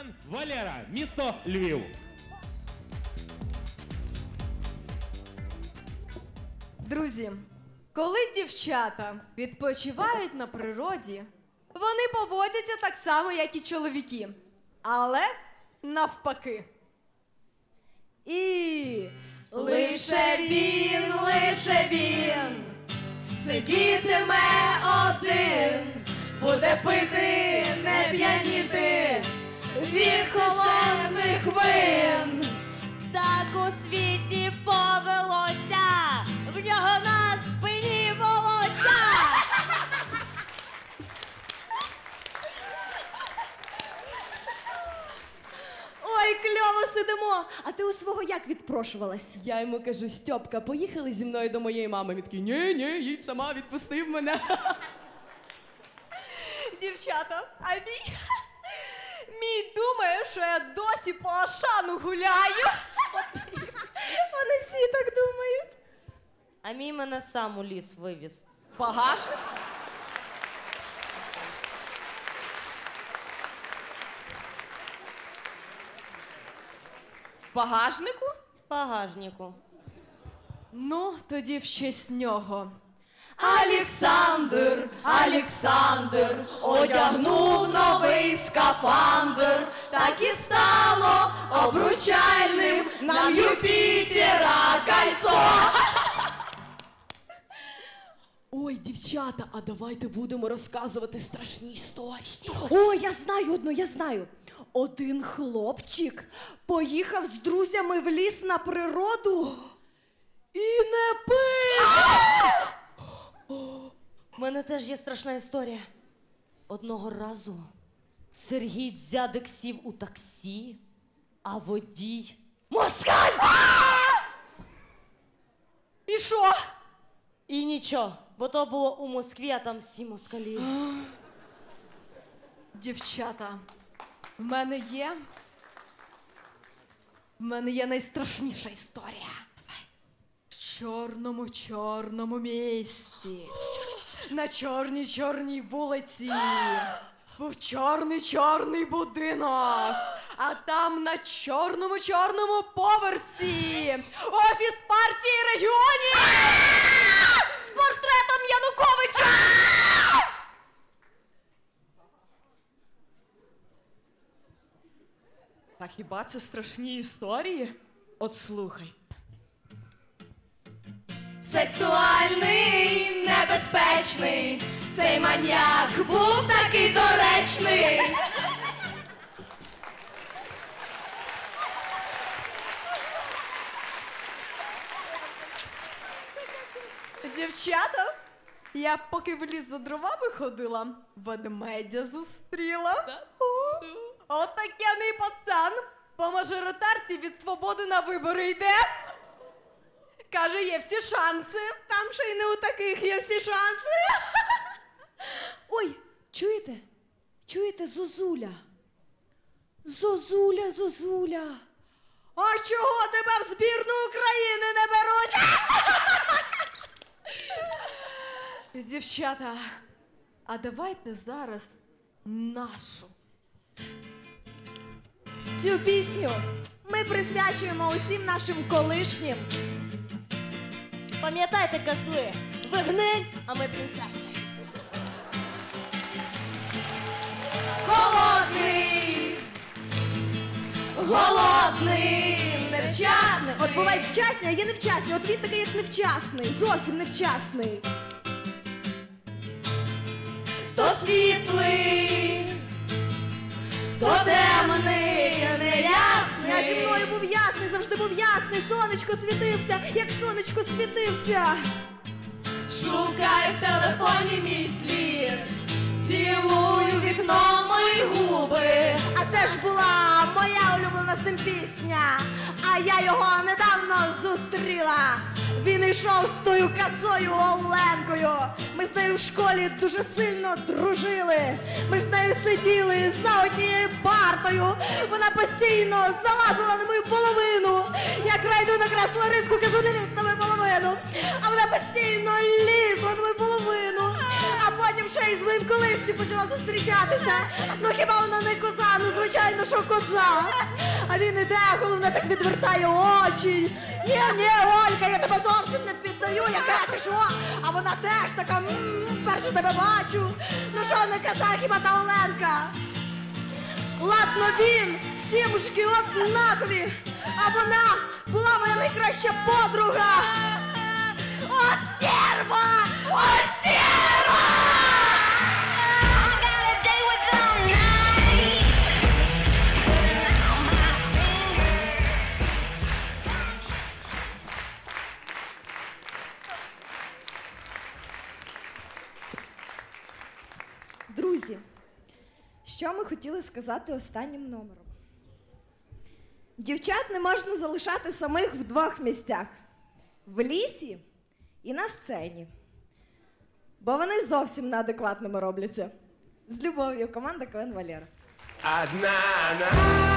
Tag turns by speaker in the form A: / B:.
A: Спортсмен Валера, місто Львів.
B: Друзі, коли дівчата відпочивають на природі, вони поводяться так само, як і чоловіки. Але навпаки. І лише він сидітиме один, буде пити, не п'яніти від холодних вин.
C: Так у світі повелося, в нього на спині волосся. Ой, кльово сидимо. А ти у свого як відпрошувалась?
B: Я йому кажу: Стьопка, поїхали зі мною до моєї мами. Він такий: ні, їдь сама, відпустив мене. Дівчата, а мій думає, що я досі по Ашану гуляю.
C: Вони всі так думають. А мій мене сам у ліс вивіз.
B: Багажник? Багажнику?
C: Багажнику.
B: Ну, тоді в честь нього. Олександр одягнув новий скафандр, так і стало обручальним нам Юпітера кольцо. Ой, дівчата, а давайте будемо розказувати страшні історії.
C: О, я знаю. Один хлопчик поїхав з друзями в ліс на природу і не пив. У мене теж є страшна історія. Одного разу Сергій Дзядик сів у таксі, а водій москаль!
B: І що?
C: І нічого, бо то було у Москві, а там всі москалі.
B: Дівчата, в мене є найстрашніша історія. В чорному місті, на чорній вулиці, був чорний будинок, а там на чорному поверсі офіс партії регіонів з портретом Януковича!
D: Та хіба це страшні історії? От слухай.
B: Сексуальний, небезпечний, цей маньяк був такий доречний. Дівчата, я поки в ліс за дровами ходила, ведмедя зустріла. Отакяний пацан по мажоритарці від Свободи на вибори йде. Каже, є всі шанси.
C: Там ще й не у таких є всі шанси. Ой, чуєте? Чуєте, Зозуля? Зозуля. А чого тебе в збірну України не беруть?
B: Дівчата, а давайте зараз нашу.
C: Цю пісню ми присвячуємо усім нашим колишнім. Пам'ятайте, козли, ви гниль, а ми принцеси.
B: Голодний, невчасний.
C: От бувають вчасні, а є невчасні. От він такий, як невчасний, зовсім невчасний.
B: То світлий, то темний, неясний.
C: Я зі мною був ясний, завжди був ясний. Сонечко світився, як сонечко світився.
B: Шукай в телефоні мій слід, цілую вікно мої губи.
C: А це ж була моя улюблена з ним пісня. А я його недавно зустріла. Він йшов з тою косою Оленкою. Ми з нею в школі дуже сильно дружили. Ми ж з нею сиділи за однією партою. Вона постійно залазила на мою половину. Я крайду на Красноризьку, кажу, не лізь на мою половину. А вона постійно лізла на мою половину. А потім ще й з моїм колишнім почала зустрічатися. Ну хіба вона не коза? Ну звичайно, що коза. А він іде, головне так відвертає очі. Ні, Олька, я тебе зовсім не впізнаю, яка ти що? А вона теж така, вперше тебе бачу. Ну що не казав, хіба та Оленка? Ладно він, всі мужики однакові, а вона була моя найкраща подруга. От стерва! От стерва!
E: Друзі, що ми хотіли сказати останнім номером? Дівчат не можна залишати самих в двох місцях. В лісі і на сцені. Бо вони зовсім неадекватними робляться. З любов'ю, команда КВН Валера.
F: Одна